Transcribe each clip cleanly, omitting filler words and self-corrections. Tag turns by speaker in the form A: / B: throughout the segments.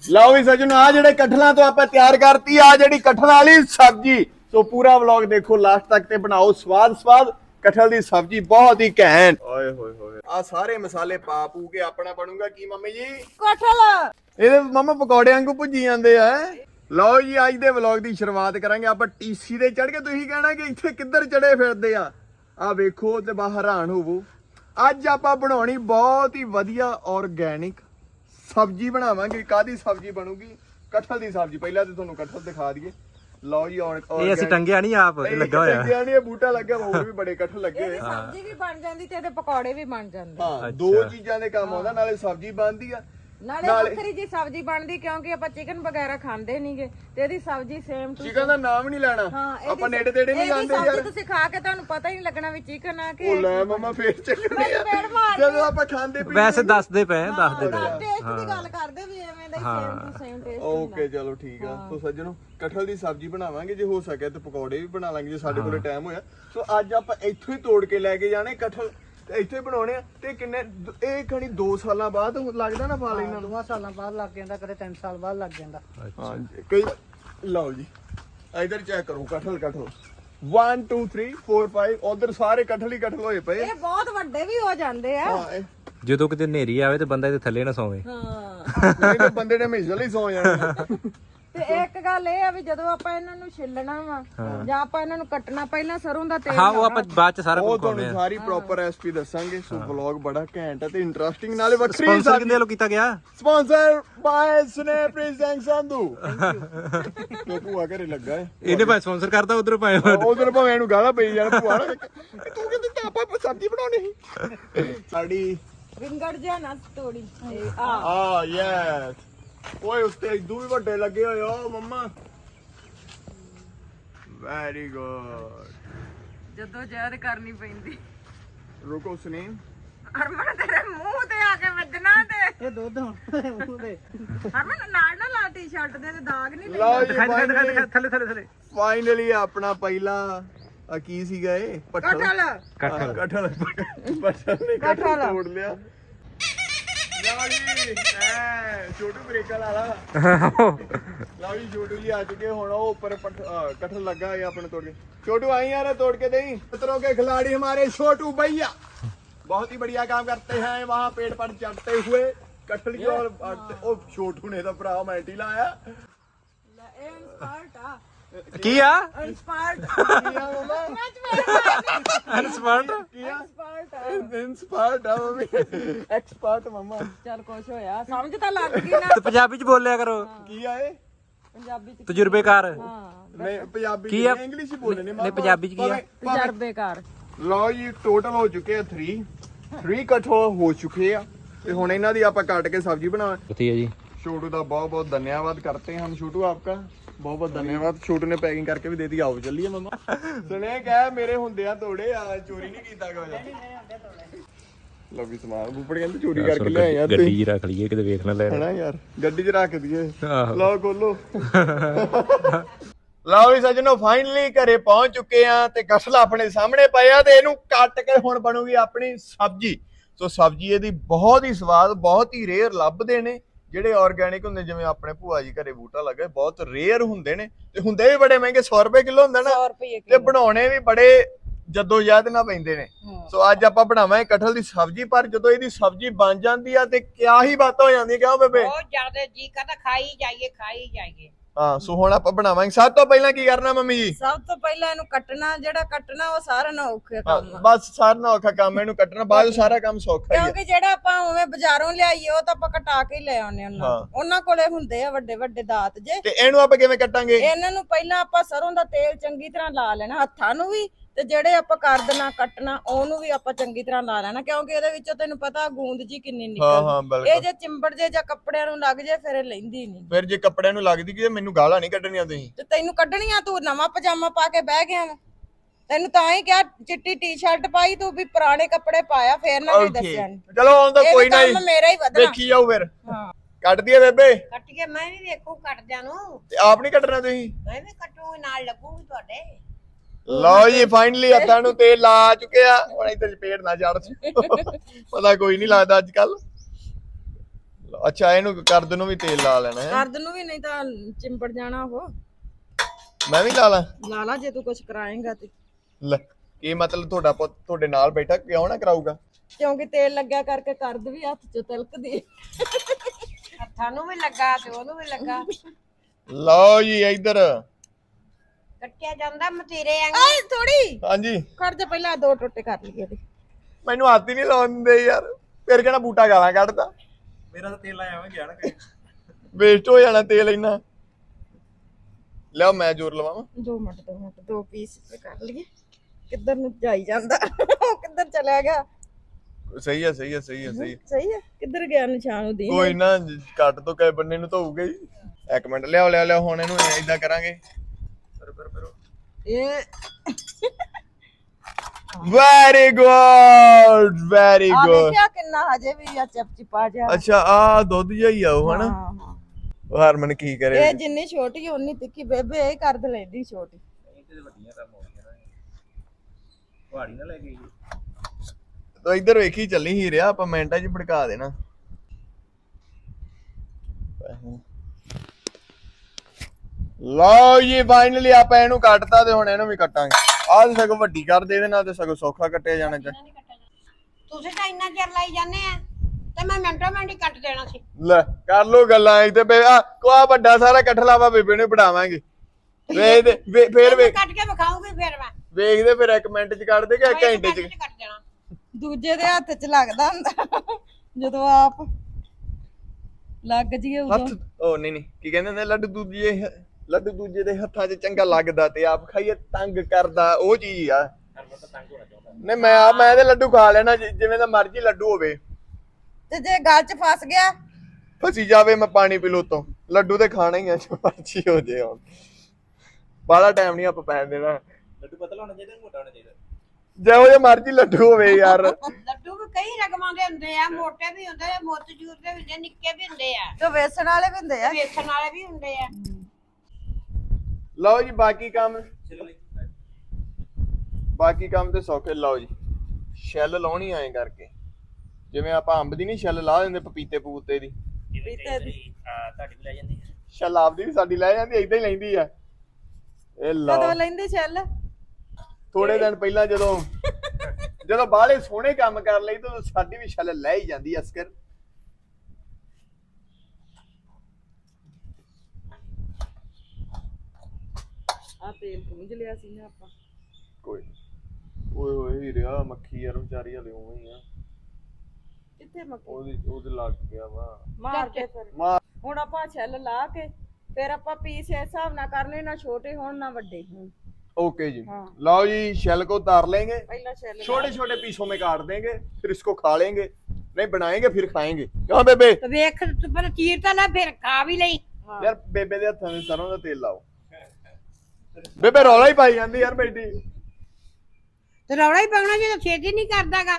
A: ਲਓ ਵੀ ਸੱਜਣੋ ਆ ਜਿਹੜੇ ਕਠਲਾਂ ਤੋਂ ਆਪਾਂ ਤਿਆਰ ਕਰਤੀ ਆ ਜਿਹੜੀ ਕਠਲ ਵਾਲੀ ਸਬਜ਼ੀ। ਸੋ ਪੂਰਾ ਵਲੌਗ ਦੇਖੋ ਲਾਸਟ ਤੱਕ ਤੇ ਬਣਾਓ ਸਵਾਦ ਕਠਲ ਦੀ ਸਬਜ਼ੀ ਬਹੁਤ ਹੀ ਘੈਂਟ। ਓਏ ਹੋਏ ਹੋਏ ਆ ਸਾਰੇ ਮਸਾਲੇ ਪਾ ਪੂ ਕੇ ਆਪਣਾ ਬਣੂਗਾ ਕੀ ਮੰਮੀ ਜੀ
B: ਕਠਲ।
A: ਇਹਦੇ ਮਮਾ ਪਕੌੜੇ ਵਾਂਗੂ ਭੁੱਜੀ ਜਾਂਦੇ ਆ। ਲਓ ਜੀ ਅੱਜ ਦੇ ਵਲੌਗ ਦੀ ਸ਼ੁਰੂਆਤ ਕਰਾਂਗੇ ਆਪਾਂ ਟੀਸੀ ਦੇ ਚੜ ਕੇ। ਤੁਸੀਂ ਕਹਿਣਾ ਕਿ ਇੱਥੇ ਕਿੱਧਰ ਚੜੇ ਫਿਰਦੇ ਆ ਵੇਖੋ ਤੇ ਬਾਹਰ ਹੈਰਾਨ ਹੋਵੋ। ਅੱਜ ਆਪਾਂ ਬਣਾਉਣੀ ਬਹੁਤ ਹੀ ਵਧੀਆ ਆਰਗੈਨਿਕ ਸਬਜ਼ੀ ਬਣਾਵਾਂਗੇ। ਕਾਦੀ ਸਬਜ਼ੀ ਬਣੂਗੀ? ਕਠਲ ਦੀ ਸਬਜ਼ੀ। ਪਹਿਲਾਂ ਤੇ ਤੁਹਾਨੂੰ ਕਠਲ ਦਿਖਾ ਦਈਏ। ਲਓ ਜੀ
C: ਇਹ ਅਸੀਂ ਟੰਗਿਆ ਨਹੀਂ ਆਪ ਲੱਗਾ ਹੋਇਆ।
A: ਟੰਗਿਆ ਨਹੀਂ, ਇਹ ਬੂਟਾ ਲੱਗਾ ਹੋਰ ਵੀ ਬੜੇ ਕਠਲ ਲੱਗੇ ਹੋਏ।
B: ਸਬਜ਼ੀ ਵੀ ਬਣ ਜਾਂਦੀ ਤੇ ਇਹਦੇ ਪਕੌੜੇ ਵੀ ਬਣ ਜਾਂਦੇ।
A: ਹਾਂ ਦੋ ਚੀਜ਼ਾਂ ਦੇ ਕੰਮ ਆਉਂਦਾ, ਨਾਲੇ ਸਬਜ਼ੀ ਬਣਦੀ ਆ
B: ਨਾਲੇ ਵੱਖਰੀ ਜੀ ਸਬਜ਼ੀ ਬਣਦੀ ਕਿਉਂਕਿ ਆਪਾਂ ਚਿਕਨ ਵਗੈਰਾ ਖਾਂਦੇ ਨਹੀਂਗੇ ਤੇ ਇਹਦੀ ਸਬਜ਼ੀ ਸੇਮ ਟੂ
A: ਚਿਕਨ ਦਾ ਨਾਮ ਨਹੀਂ ਲੈਣਾ ਆਪਾਂ, ਨੇੜੇ ਤੇੜੇ ਨਹੀਂ ਜਾਂਦੇ ਯਾਰ।
B: ਤੁਸੀਂ ਖਾ ਕੇ ਤੁਹਾਨੂੰ ਪਤਾ ਹੀ ਨਹੀਂ ਲੱਗਣਾ ਵੀ ਚਿਕਨ ਆ ਕਿ
A: ਉਹ ਲੈ ਮਮਾ ਫੇਰ ਚੱਕਦੇ ਆ ਜਦੋਂ ਆਪਾਂ ਖਾਂਦੇ ਪੀਂਦੇ।
C: ਵੈਸੇ ਦੱਸਦੇ ਪਏ
B: ਟੇਸਟ ਦੀ ਗੱਲ ਕਰਦੇ ਵੀ ਐਵੇਂ ਦਾ ਹੀ same to same taste.
A: Okay ਚਲੋ ਠੀਕ ਆ। ਸੋ ਸੱਜਣੋ ਕਠਲ ਦੀ ਸਬਜ਼ੀ ਬਣਾਵਾਂਗੇ, ਜੇ ਹੋ ਸਕਿਆ ਤੇ ਪਕੌੜੇ ਵੀ ਬਣਾ ਲਾਂਗੇ ਜੇ ਸਾਡੇ ਕੋਲੇ ਟਾਈਮ ਹੋਇਆ। ਸੋ ਅੱਜ ਆਪਾਂ ਇੱਥੋਂ ਹੀ ਤੋੜ ਕੇ ਲੈ ਕੇ ਜਾਣੇ ਕਠਲ ਤੇ ਇੱਥੇ ਬਣਾਉਣੇ ਆ। ਤੇ ਕਿੰਨੇ ਇਹ ਖਣੀ 2 ਸਾਲਾਂ ਬਾਅਦ ਲੱਗਦਾ ਨਾ ਫਲ ਇਹਨਾਂ ਨੂੰ?
D: 2 ਸਾਲਾਂ ਬਾਅਦ ਲੱਗ ਜਾਂਦਾ, ਕਦੇ 3 ਸਾਲ ਬਾਅਦ ਲੱਗ ਜਾਂਦਾ।
A: ਹਾਂਜੀ ਕਈ। ਲਓ ਜੀ ਇਧਰ ਚੈੱਕ ਕਰੋ ਕਠਲ 1 2 3 4 5 ਉਧਰ ਸਾਰੇ ਕਠਲ ਹੀ ਕਠਲ ਹੋਏ ਪਏ।
B: ਇਹ ਬਹੁਤ ਵੱਡੇ ਵੀ ਹੋ ਜਾਂਦੇ ਆ।
C: ਜਦੋਂ ਕਿਤੇ ਹਨੇਰੀ ਆਵੇ ਤੇ ਬੰਦਾ ਇਹਦੇ ਥੱਲੇ ਨਾ ਸੌਵੇ।
B: ਹਾਂ
A: ਨਹੀਂ ਤਾਂ ਬੰਦੇ ਨੇ ਹਮੇਸ਼ਾ ਲਈ ਸੌ ਜਾਣਾ।
B: ਤੇ ਇੱਕ ਗੱਲ ਇਹ ਆ ਵੀ ਜਦੋਂ ਆਪਾਂ ਇਹਨਾਂ ਨੂੰ ਛਿੱਲਣਾ ਵਾ ਜਾਂ ਆਪਾਂ ਇਹਨਾਂ ਨੂੰ ਕੱਟਣਾ, ਪਹਿਲਾਂ ਸਰੋਂ ਦਾ ਤੇਲ
C: ਹਾਂ ਉਹ ਆਪਾਂ ਬਾਅਦ ਚ ਸਾਰਾ
A: ਉਹ
C: ਕੁਝ
A: ਤੁਹਾਨੂੰ ਸਾਰੀ ਪ੍ਰੋਪਰ ਰੈਸਪੀ ਦੱਸਾਂਗੇ। ਸੋ ਵਲੌਗ ਬੜਾ ਘੈਂਟ ਹੈ ਤੇ ਇੰਟਰਸਟਿੰਗ ਨਾਲੇ ਵੱਖਰੀ।
C: ਸਪਾਂਸਰ ਕਿੰਨੇ ਵੱਲੋਂ ਕੀਤਾ ਗਿਆ?
A: ਸਪਾਂਸਰ ਬਾय ਸਨੈਪਰੀਜ਼ ਐਂਡ ਸੰਧੂ। ਤੋ ਭੂਆ ਘਰੇ ਲੱਗਾ ਹੈ।
C: ਇਹਨੇ ਭਾਵੇਂ ਸਪਾਂਸਰ ਕਰਦਾ ਉਧਰ ਭਾਵੇਂ
A: ਉਧਰ ਭਾਵੇਂ ਇਹਨੂੰ ਗਾਲਾਂ ਪਈ ਜਾਣ ਭੂਆ ਨਾਲ। ਤੂੰ ਕਹਿੰਦੀ ਤਾਂ ਆਪਾਂ ਸਬਜ਼ੀ ਬਣਾਉਣੀ ਸੀ ਸਾਡੀ
B: ਰਿੰਗੜ ਜਿਹਾ ਨਾ ਤੋੜੀ
A: ਯੈਸ। ਓਏ ਉੱਤੇ ਇਦੂ ਵੀ ਵੱਡੇ ਲੱਗੇ ਹੋਏ ਓ ਮੰਮਾ। Very good.
B: ਜਦੋਂ ਜ਼ਹਿਦ ਕਰਨੀ ਪੈਂਦੀ।
A: ਰੁਕੋ ਸੁਨੀਲ।
B: ਹਰਮਨ ਤੇਰੇ ਮੂੰਹ ਤੇ ਆ ਕੇ ਵੱਜਣਾ ਤੇ
D: ਇਹ ਦੁੱਧ ਹੁਣ ਦੇ
B: ਹਰਮਨ ਨਾਲ ਨਾ ਲਾ ਟੀ-ਸ਼ਰਟ ਦੇ ਤੇ ਦਾਗ ਨਹੀਂ
A: ਲਓ ਜੀ
C: ਦਿਖਾ ਥੱਲੇ
A: ਫਾਈਨਲੀ ਆਪਣਾ ਪਹਿਲਾ ਕੀ ਸੀਗਾ ਇਹ?
B: ਕਠਲ
A: ਕਠਲ ਨੇ ਤੋੜ ਲਿਆ। ਲਓ ਜੀ ਛੋਟੂ ਬ੍ਰੇਕਾਂ ਲਾ ਲਾ। ਲਓ ਜੀ ਛੋਟੂ ਜੀ ਆ ਚੁੱਕੇ। ਹੁਣ ਉਹ ਉੱਪਰ ਕਠਲ ਲੱਗਾ ਹੈ ਆਪਣੇ ਤੋੜ ਕੇ। छोटू आई यार तोड़ के दही। मित्रों के खिलाड़ी हमारे छोटू भैया बहुत ही बढ़िया काम करते हैं। वहाँ पेड़ पर चढ़ते हुए कटल की और छोटू ने तो भरा मैटी लाया।
C: ਕੀ ਆ
B: ਇੰਸਪਾਇਰਡ
A: एक्सपर्ट मम्मा।
B: ਚੱਲ ਕੁਛ ਹੋਇਆ ਸਮਝ ਤਾਂ ਲੱਗ ਗਈ ਨਾ।
C: ਤੇ ਪੰਜਾਬੀ ਚ ਬੋਲਿਆ ਕਰੋ।
A: की आए
B: ਪੰਜਾਬੀ ਚ
C: ਤਜਰਬੇਕਾਰ।
A: नहीं पंजाबी
C: की है?
A: इंग्लिश ही बोलने
C: नहीं पंजाबी च की है?
B: ਤਜਰਬੇਕਾਰ।
A: ਲਓ ਜੀ ਟੋਟਲ ਹੋ ਚੁੱਕੇ ਆ 3 ਕੱਟ ਹੋ ਚੁੱਕੇ ਆ ਤੇ ਹੁਣ ਇਹਨਾਂ ਦੀ ਆਪਾਂ ਕੱਟ ਕੇ ਸਬਜ਼ੀ ਬਣਾ।
C: ਵਧੀਆ ਜੀ।
A: छोटू का बहुत बहुत धन्यवाद करते हैं हम। छोटू आपका बहुत बहुत धन्यवाद। छोटू ने पैकिंग करके भी दे दी। आओ चलिए मम्मा। सुने क्या मेरे ਹੁੰਦੇ ਆ ਤੋੜੇ ਆ ਚੋਰੀ ਨਹੀਂ ਕੀਤਾ ਕੋਈ। ਲਓ ਵੀ ਸਮਾਨ ਬੂਪੜ ਕਹਿੰਦੇ ਚੋਰੀ ਕਰਕੇ ਲਿਆਏ ਯਾਰ।
C: ਗੱਡੀ 'ਚ ਰੱਖ ਲਈਏ ਕਿਤੇ ਵੇਖ ਨਾ ਲੈਣ।
A: ਹਣਾ ਯਾਰ ਗੱਡੀ 'ਚ ਰੱਖ ਦਈਏ।
C: ਆਹੋ।
A: ਲਓ ਖੋਲੋ। ਲਓ ਵੀ ਸੱਜਣੋ ਫਾਈਨਲੀ ਘਰੇ ਪਹੁੰਚ ਚੁੱਕੇ ਆ ਤੇ ਕਠਲ ਆਪਣੇ ਸਾਹਮਣੇ ਪਏ ਆ ਤੇ ਇਹਨੂੰ ਕੱਟ ਕੇ ਹੁਣ ਬਣੂਗੀ ਆਪਣੀ ਸਬਜ਼ੀ। ਸੋ ਸਬਜ਼ੀ ਇਹਦੀ ਬਹੁਤ ਹੀ ਸਵਾਦ, ਬਹੁਤ ਹੀ ਰੇਅਰ ਲੱਭਦੇ ਨੇ ਜਿਹੜੇ ਆਰਗੈਨਿਕ ਹੁੰਦੇ। ਜਿਵੇਂ ਆਪਣੇ ਭੂਆ ਜੀ ਘਰੇ ਬੂਟਾ ਲੱਗਾ, ਬਹੁਤ ਰੇਅਰ ਹੁੰਦੇ ਨੇ ਤੇ ਹੁੰਦੇ ਵੀ ਬੜੇ ਮਹਿੰਗੇ। 100 ਰੁਪਏ ਕਿਲੋ ਹੁੰਦਾ ਨਾ।
B: 100 ਰੁਪਏ
A: ਤੇ ਬਣਾਉਣੇ ਵੀ ਬੜੇ ਜਦੋਜਹਿਦ ਨਾਲ ਪੈਂਦੇ ਨੇ। ਸੋ ਅੱਜ ਆਪਾਂ ਬਣਾਵਾਂਗੇ ਕਠਲ ਦੀ ਸਬਜ਼ੀ। ਪਰ ਜਦੋਂ ਇਹਦੀ ਸਬਜ਼ੀ ਬਣ ਜਾਂਦੀ ਆ ਤੇ ਕਿਆ ਹੀ ਬਾਤਾਂ ਹੋ ਜਾਂਦੀਆਂ। ਕਿਉਂ ਬੇਬੇ?
E: ਬਹੁਤ ਜ਼ਿਆਦਾ ਜੀ ਕਰਦਾ ਖਾਈ ਜਾਈਏ।
A: ਹਾਂ ਸੋ ਹੁਣ ਆਪਾਂ ਬਣਾਵਾਂਗੇ। ਸਭ ਤੋਂ ਪਹਿਲਾਂ ਕੀ ਕਰਨਾ ਮੰਮੀ ਜੀ?
B: ਸਭ ਤੋਂ ਪਹਿਲਾਂ ਇਹਨੂੰ ਕੱਟਣਾ, ਜਿਹੜਾ ਕੱਟਣਾ ਉਹ ਸਾਰਾ ਨਾ ਔਖਾ ਕੰਮ ਆ।
A: ਬਸ ਸਾਰਾ ਨਾਲ ਔਖਾ ਕੰਮ ਇਹਨੂੰ ਕੱਟਣਾ, ਬਾਅਦ ਸਾਰਾ ਕੰਮ ਸੌਖਾ ਹੀ ਹੈ।
B: ਕਿਉਂਕਿ ਜਿਹੜਾ ਆਪਾਂ ਉਵੇਂ ਬਾਜ਼ਾਰੋਂ ਲਿਆਈਏ ਉਹ ਤਾਂ ਆਪਾਂ ਕਟਾ ਕੇ ਹੀ ਲੈ ਆਉਂਦੇ ਉਹਨਾਂ ਕੋਲੇ ਹੁੰਦੇ ਆ ਵੱਡੇ ਵੱਡੇ ਦਾਤ ਜੇ।
A: ਤੇ ਇਹਨੂੰ ਆਪਾਂ ਕਿਵੇਂ ਕੱਟਾਂਗੇ?
B: ਇਹਨਾਂ ਨੂੰ ਪਹਿਲਾਂ ਆਪਾਂ ਸਰੋਂ ਦਾ ਤੇਲ ਚੰਗੀ ਤਰ੍ਹਾਂ ਲਾ ਲੈਣਾ ਹੱਥਾਂ ਨੂੰ ਵੀ, ਤੇ ਜਿਹੜੇ ਆਪਾਂ ਕਰ ਦੇਣਾ ਕੱਟਣਾ ਉਹਨੂੰ ਵੀ ਆਪਾਂ ਚੰਗੀ ਤਰ੍ਹਾਂ ਲਾ ਲੈਣਾ। ਕਿਉਂਕਿ ਇਹਦੇ ਵਿੱਚੋਂ ਤੈਨੂੰ ਪਤਾ ਗੂੰਦ ਜੀ ਕਿੰਨੀ ਨਿਕਲਦੀ। ਇਹ ਜੇ ਚਿੰਬੜ ਜੇ ਜਾਂ ਕੱਪੜਿਆਂ ਨੂੰ ਲੱਗ ਜੇ ਫਿਰ ਇਹ ਲੈਂਦੀ ਨਹੀਂ।
A: ਫਿਰ ਜੇ ਕੱਪੜਿਆਂ ਨੂੰ ਲੱਗਦੀ ਕਿ ਮੈਨੂੰ ਗਾਲਾਂ ਨਹੀਂ ਕੱਢਣੀਆਂ ਤੁਸੀਂ।
B: ਤੇ ਤੈਨੂੰ ਕੱਢਣੀਆਂ, ਤੂੰ ਨਵਾਂ ਪਜਾਮਾ ਪਾ ਕੇ ਬਹਿ ਗਿਆ ਵਾ। ਤੈਨੂੰ ਤਾਂ ਹੀ ਕਿਹਾ ਚਿੱਟੀ ਟੀ-ਸ਼ਰਟ ਪਾਈ, ਤੂੰ ਵੀ ਪੁਰਾਣੇ ਕੱਪੜੇ ਪਾਇਆ ਫੇਰ ਨਾ ਕੋਈ ਦੱਸਿਆ ਨਹੀਂ।
A: ਚਲੋ ਹੁਣ ਤਾਂ ਕੋਈ ਨਾ
B: ਕੰਮ ਮੇਰਾ ਹੀ ਵਧਣਾ।
A: ਦੇਖੀ ਜਾਓ ਫਿਰ।
B: ਹਾਂ
A: ਕੱਟ ਦਈਏ ਬੇਬੇ?
E: ਕੱਟ ਕੇ ਮੈਂ ਵੀ ਵੇਖੂ ਕੱਟਦਿਆਂ ਨੂੰ।
A: ਤੇ ਆਪ ਨਹੀਂ ਕੱਟਣਾ ਤੁਸੀਂ?
E: ਮੈਂ ਵੀ ਕੱਟੂਗੀ, ਨਾਲ ਲੱਗੂਗੀ ਤੁਹਾਡੇ।
A: ਲਓ ਜੀ ਫਾਈਨਲੀ ਹੱਥਾਂ ਨੂੰ ਤੇਲ ਲਾ ਚੁੱਕੇ ਆ। ਹੁਣ ਇੱਧਰ ਚਪੇੜ ਨਾ ਚੜ ਪਤਾ ਕੋਈ ਨਹੀਂ ਲੱਗਦਾ ਅੱਜ ਕੱਲ। ਅੱਛਾ ਇਹਨੂੰ ਕਰਦ ਨੂੰ ਵੀ ਤੇਲ ਲਾ ਲੈਣਾ ਹੈ।
B: ਕਰਦ ਨੂੰ ਵੀ, ਨਹੀਂ ਤਾਂ ਚਿੰਬੜ ਜਾਣਾ ਉਹ।
A: ਮੈਂ ਵੀ ਲਾ ਲਾਂ?
B: ਲਾ ਲਾ ਜੇ ਤੂੰ ਕੁਝ ਕਰਾਏਂਗਾ ਤੇ।
A: ਲੈ ਕੀ ਮਤਲਬ ਤੁਹਾਡਾ ਪੁੱਤ ਤੁਹਾਡੇ ਨਾਲ ਬੈਠਾ ਕਿਉਂ ਨਾ ਕਰਾਊਗਾ?
B: ਕਿਉਂਕਿ ਤੇਲ ਲੱਗਿਆ ਕਰਕੇ ਕਰਦ ਵੀ ਹੱਥ 'ਚ ਤਿਲਕਦੀ।
E: ਹੱਥਾਂ ਨੂੰ ਵੀ ਲੱਗਾ ਤੇ ਉਹਨੂੰ ਵੀ ਲੱਗਾ।
A: ਲਓ ਜੀ ਇੱਧਰ।
E: ਕੱਟਿਆ ਜਾਂਦਾ ਮਤੀਰੇ ਆ।
B: ਆਏ ਥੋੜੀ
A: ਹਾਂਜੀ
B: ਕਰ ਦੇ, ਪਹਿਲਾਂ 2 ਟੋਟੇ ਕਰ ਲਈਏ ਤੇ।
A: ਮੈਨੂੰ ਹੱਥ ਹੀ ਨਹੀਂ ਲਾਉਣ ਦਿੰਦੇ ਯਾਰ, ਫਿਰ ਕਹਿਣਾ ਬੂਟਾ ਗਾਲਾਂ ਕੱਢਦਾ।
C: ਮੇਰਾ ਤਾਂ ਤੇਲ ਲਾਇਆ ਮੈਂ ਗਿਆ ਨਾ ਕਿ
A: ਵੇਸਟ ਹੋ ਜਾਣਾ ਤੇਲ ਇੰਨਾ। ਲਿਆਓ ਮੈਂ ਜ਼ੋਰ ਲਵਾਵਾਂ।
B: 2 ਮਿੰਟ 2 ਪੀਸ ਕਰ ਲਈਏ। ਕਿੱਧਰ ਨੂੰ ਜਾਈ ਜਾਂਦਾ, ਉਹ ਕਿੱਧਰ ਚਲਿਆ ਗਿਆ?
A: ਸਹੀ ਆ ਸਹੀ ਆ ਸਹੀ ਆ ਸਹੀ ਆ।
B: ਸਹੀ ਹੈ, ਕਿੱਧਰ ਗਿਆ ਨਿਸ਼ਾਨ ਉਹਦੀ?
A: ਕੋਈ ਨਾ ਕੱਟ ਤੋਂ ਕਈ ਬੰਨੇ ਨੂੰ ਧੋਊਗਾ ਹੀ। ਇੱਕ ਮਿੰਟ ਲਿਆਓ ਹੁਣ ਇਹਨੂੰ ਏਦਾਂ ਕਰਾਂਗੇ।
B: ਇਹ
A: ਵੈਰੀ ਗੁੱਡ ਵੈਰੀ
B: ਆ
A: ਗੁੱਡ।
B: ਵੇਖਿਆ ਕਿੰਨਾ ਹਜੇ ਵੀ ਆ ਚਪਚਪਾ ਜਿਹਾ।
A: ਅੱਛਾ ਆ ਦੁੱਧ ਜਿਹਾ ਹੀ ਆ ਉਹ ਹਨਾ।
B: ਹਾਂ ਹਾਂ,
A: ਉਹ ਹਰਮਨ ਕੀ ਕਰੇ?
B: ਇਹ ਜਿੰਨੀ ਛੋਟੀ ਓਨੀ ਤਿੱਖੀ। ਬੇਬੇ ਇਹ ਕਰਦ ਲੈਂਦੀ ਛੋਟੀ।
C: ਪਹਾੜੀ ਨਾ ਲੈ ਗਈ।
A: ਤੋ ਇੱਧਰ ਵੇਖੀ ਚੱਲੀ ਹੀ ਰਿਹਾ, ਆਪਾਂ ਮਿੰਟਾਂ 'ਚ ਭੜਕਾ ਦੇਣਾ। ਲਓ ਜੀ ਫਾਈਨਲੀ ਆਪਾਂ ਇਹਨੂੰ ਕੱਟਤਾ ਤੇ ਹੁਣ ਇਹਨੂੰ ਵੀ ਕੱਟਾਂਗੇ। ਆਹ ਸਗੋਂ ਵੱਡੀ ਕਰ ਦੇ, ਇਹਦੇ ਨਾਲ ਤੇ ਸਗੋਂ ਸੌਖਾ ਕੱਟਿਆ ਜਾਣਾ ਚਾਹੀਦਾ।
E: ਤੁਸੀਂ ਤਾਂ ਇੰਨਾ ਚਿਰ ਲਾਈ ਜਾਂਦੇ ਆ ਤੇ ਮੈਂ ਮਿੰਟੋ ਮਿੰਟ ਹੀ ਕੱਟ ਦੇਣਾ ਸੀ।
A: ਲੈ ਕਰ ਲੋ ਗੱਲਾਂ ਇੱਥੇ ਕੋਆ ਵੱਡਾ ਸਾਰਾ ਕਠਲਾ ਵਾ ਬੇਬੇ ਨੂੰ ਪੜਾਵਾਂਗੇ। ਫੇਰ ਵੇਖ
E: ਕੱਟ ਕੇ ਵਿਖਾਉਂਗੀ ਫਿਰ ਮੈਂ।
A: ਵੇਖਦੇ ਫਿਰ 1 ਮਿੰਟ 'ਚ ਕੱਢ ਦੇ ਕਿ 1 ਘੰਟੇ 'ਚ?
E: ਕੱਟ ਦੇਣਾ।
B: ਦੂਜੇ ਦੇ ਹੱਥ 'ਚ ਲੱਗਦਾ ਹੁੰਦਾ ਜਦੋਂ ਆਪ ਲੱਗ ਜੀਏ ਉਦੋਂ।
A: ਹੱਥ ਉਹ ਨਹੀਂ ਕੀ ਕਹਿੰਦੇ ਨੇ, ਲੱਡੂ ਦੂਜੇ ਦੇ ਹੱਥਾਂ 'ਚ ਚੰਗਾ ਲੱਗਦਾ ਤੇ ਆਪ ਖਾਈਏ ਤੰਗ ਕਰਦਾ, ਉਹ ਚੀਜ਼ ਆ। ਨਹੀਂ ਮੈਂ ਤੇ ਲੱਡੂ ਖਾ ਲੈਣਾ ਜਿਵੇਂ ਦਾ ਮਰਜ਼ੀ ਲੱਡੂ ਹੋਵੇ।
B: ਤੇ ਜੇ ਗਲ 'ਚ ਫਸ ਗਿਆ?
A: ਫਸੀ ਜਾਵੇ ਮੈਂ ਪਾਣੀ ਪੀ ਲੂ ਤੋਂ। ਲੱਡੂ ਤੇ ਖਾਣਾ ਹੀ ਆ ਜੋ ਮਰਜ਼ੀ ਹੋ ਜੇ। ਹੁਣ ਬਾਹਲਾ ਟਾਈਮ ਨਹੀਂ ਆਪਾਂ ਪੈਣ ਦੇਣਾ।
C: ਲੱਡੂ ਪਤਲਾ ਹੋਣਾ ਚਾਹੀਦਾ ਮੋਟਾ ਹੋਣਾ ਚਾਹੀਦਾ?
A: ਜਿਹੋ ਜਿਹਾ ਮਰਜ਼ੀ ਲੱਡੂ ਹੋਵੇ ਯਾਰ।
E: ਲੱਡੂ ਵੀ ਕਈ ਰਕਮਾਂ ਦੇ ਹੁੰਦੇ ਆ, ਮੋਟੇ ਵੀ ਹੁੰਦੇ ਆ, ਮੋਤਜੂਰ ਦੇ ਵੀ ਹੁੰਦੇ, ਨਿੱਕੇ ਵੀ ਹੁੰਦੇ ਆ,
B: ਤੇ ਵੇਸਣ ਵਾਲੇ ਵੀ ਹੁੰਦੇ ਆ।
E: ਵੇਸਣ ਵਾਲੇ ਵੀ ਹੁੰਦੇ ਆ।
A: ਲਓ ਜੀ ਬਾਕੀ ਕੰਮ ਤੇ ਸੌਖੇ। ਲਓ ਜੀ ਸ਼ੈਲ ਲਾਉਣੀ ਐਂ ਕਰਕੇ, ਜਿਵੇਂ ਆਪਾਂ ਅੰਬ ਦੀ ਨਹੀਂ ਸ਼ੈਲ ਲਾ ਦਿੰਦੇ ਪਪੀਤੇ ਪੂਤੇ ਦੀ।
C: ਤੁਹਾਡੀ ਵੀ ਲੈ ਜਾਂਦੀ ਹੈ
A: ਸ਼ੈਲ ਆਪਦੀ ਵੀ ਸਾਡੀ ਲੈ ਜਾਂਦੀ, ਏਦਾਂ ਹੀ ਲੈਂਦੀ ਆ। ਇਹ ਲਓ
B: ਕਦੋਂ ਲੈਂਦੀ ਛੱਲ?
A: ਥੋੜੇ ਦਿਨ ਪਹਿਲਾਂ ਜਦੋਂ ਬਾਹਲੇ ਸੋਹਣੇ ਕੰਮ ਕਰ ਲਈ ਤਾਂ ਸਾਡੀ ਵੀ ਛੱਲ ਲੈ ਹੀ ਜਾਂਦੀ ਅਸਕਰ।
B: ਆ ਤੇਲ ਪੂੰਝ ਲਿਆ ਸੀ ਨਾ ਆਪਾਂ।
A: ਕੋਈ ਓਏ ਹੋਏ ਹੀ ਰਿਹਾ ਮੱਖੀ ਯਾਰ ਵਿਚਾਰੀ ਹਲੇ ਉਵੇਂ ਹੀ ਆ।
B: ਕਿੱਥੇ ਮੱਕੀ?
A: ਉਹਦੇ ਲੱਗ ਗਿਆ ਵਾ।
B: ਮਾਰ ਕੇ ਫਿਰ। ਹੁਣ ਆਪਾਂ ਛੱਲ ਲਾ ਕੇ ਫਿਰ ਆਪਾਂ ਪੀਸ ਇਸ ਹਿਸਾਬ ਨਾਲ ਕਰਨੇ, ਨਾ ਛੋਟੇ ਹੋਣ ਨਾ ਵੱਡੇ ਹੋਣ।
A: ओके जी। लाओ जी शेल को उतार लेंगे, छोटे छोटे पीसों में काट देंगे, फिर इसको खा लेंगे, नहीं बनाएंगे फिर खाएंगे। क्यों बेबे?
E: तो देख तू पर चीर ता ना फिर खा भी लई।
A: यार बेबे दे हत्थां विच सरों दा तेल लाओ। बेबे रौला ही पाई जांदी यार बेटी।
E: ते रौला ही पाउणा जे छेती नहीं करदागा।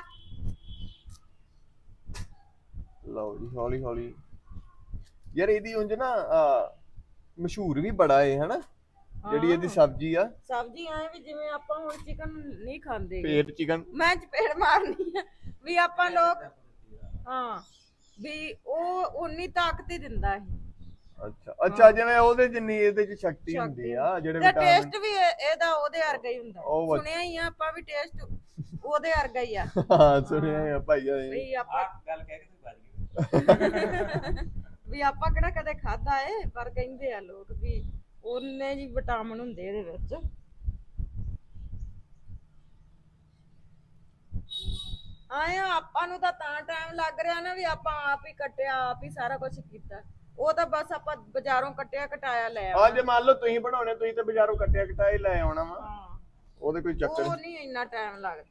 A: ਲਓ ਜੀ ਹੌਲੀ ਹੌਲੀ। ਯਾਰ ਇਹਦੀ ਉਂਝ ਨਾ ਮਸ਼ਹੂਰ ਵੀ ਬੜਾ ਏ ਹਨਾ, ਜਿਹੜੀ ਇਹਦੀ ਸਬਜ਼ੀ ਆ।
B: ਸਬਜ਼ੀ ਐ ਵੀ ਜਿਵੇਂ ਆਪਾਂ ਹੁਣ ਚਿਕਨ ਨਹੀਂ ਖਾਂਦੇ,
A: ਪੇਟ ਚਿਕਨ
B: ਮੈਂ ਚਪੇੜ ਮਾਰਨੀ ਆ ਵੀ ਆਪਾਂ ਲੋਕ, ਹਾਂ ਵੀ ਉਹ ਉਨੀ ਤਾਕਤ ਹੀ ਦਿੰਦਾ ਇਹ।
A: ਅੱਛਾ ਅੱਛਾ, ਜਿਵੇਂ ਉਹਦੇ ਜਿੰਨੀ ਇਹਦੇ ਚ ਸ਼ਕਤੀ ਹੁੰਦੀ ਆ, ਜਿਹੜੇ
B: ਤੇ
A: ਵਿਟਾਮਿਨ।
B: ਟੇਸਟ ਵੀ ਇਹਦਾ ਉਹਦੇ ਵਰਗਾ ਹੀ ਹੁੰਦਾ, ਸੁਣਿਆ ਹੀ ਆ ਆਪਾਂ ਵੀ ਟੇਸਟ ਉਹਦੇ ਵਰਗਾ ਹੀ ਆ।
A: ਹਾਂ ਸੁਣਿਆ ਆ ਭਾਈ
B: ਵੀ ਆਪਾਂ
C: ਗੱਲ ਕਹਿ ਕੇ ਤੂੰ ਵੱਜ ਗਈ
B: ਵੀ ਆਪਾਂ ਕਿਹੜਾ ਕਦੇ ਖਾਦਾ ਏ, ਪਰ ਕਹਿੰਦੇ ਆ ਲੋਕ ਵੀ ਉਹਨੇ ਜੀ ਵਿਟਾਮਿਨ ਹੁੰਦੇ ਇਹਦੇ ਵਿੱਚ। ਆਏ ਆਪਾਂ ਨੂੰ ਤਾਂ ਟਾਈਮ ਲੱਗ ਰਿਹਾ ਨਾ ਵੀ ਆਪਾਂ ਆਪ ਹੀ ਕੱਟਿਆ, ਆਪ ਹੀ ਸਾਰਾ ਕੁਝ ਕੀਤਾ। ਉਹ ਤਾਂ ਬਸ ਆਪਾਂ ਬਾਜ਼ਾਰੋਂ ਕੱਟਿਆ ਕਟਾਇਆ ਲੈ ਆਉਣਾ।
A: ਜੇ ਮੰਨ ਲਓ ਤੁਸੀਂ ਬਣਾਉਣੇ, ਤੁਸੀਂ ਤਾਂ ਬਾਜ਼ਾਰੋਂ ਕੱਟਿਆ ਕਟਾਇਆ ਲੈ ਆਉਣਾ ਵਾ।
B: ਹਾਂ
A: ਉਹਦੇ ਕੋਈ ਚੱਕਰ
B: ਉਹ ਨਹੀਂ ਇੰਨਾ ਟਾਈਮ ਲੱਗਦਾ।